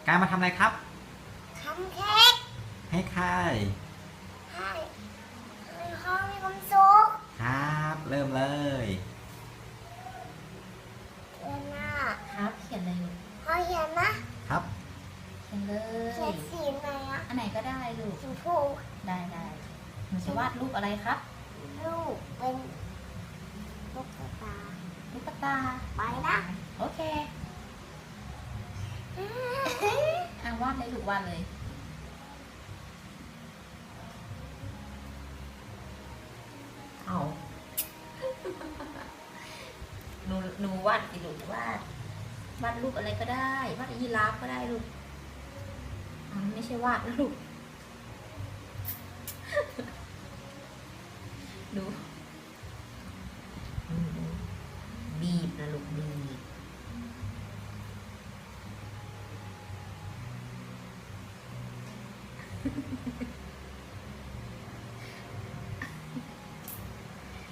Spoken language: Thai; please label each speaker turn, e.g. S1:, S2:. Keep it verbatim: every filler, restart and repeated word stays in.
S1: กายมาทำอะไรครับ
S2: ทำเค้ก
S1: ให้ใคร
S2: ให้ให้เขามีความสุข
S1: ครับเริ่มเลย
S2: เขียนหน้า
S3: ครับเขียนเลยลูก
S2: เขาเขียนนะครับ
S3: เขียนเล
S2: เขียน
S3: ย
S2: สีไหนอะ
S3: อันไหนก็ได้ลูก
S2: สีผู
S3: ได้ได้หนูจะวาดรูปอะไรครับ
S2: ลูกเป็นลูกตา
S3: ลูกตา
S2: ไปนะ
S3: โอเคอ่ะวาดเลยลูกวาดเลยเอาหนูหนูวาดสิลูกวาดวาดรูปอะไรก็ได้วาดยีราฟก็ได้ลูกอ๋อไม่ใช่วาดนะลูกดูบีบนะลูกบีบ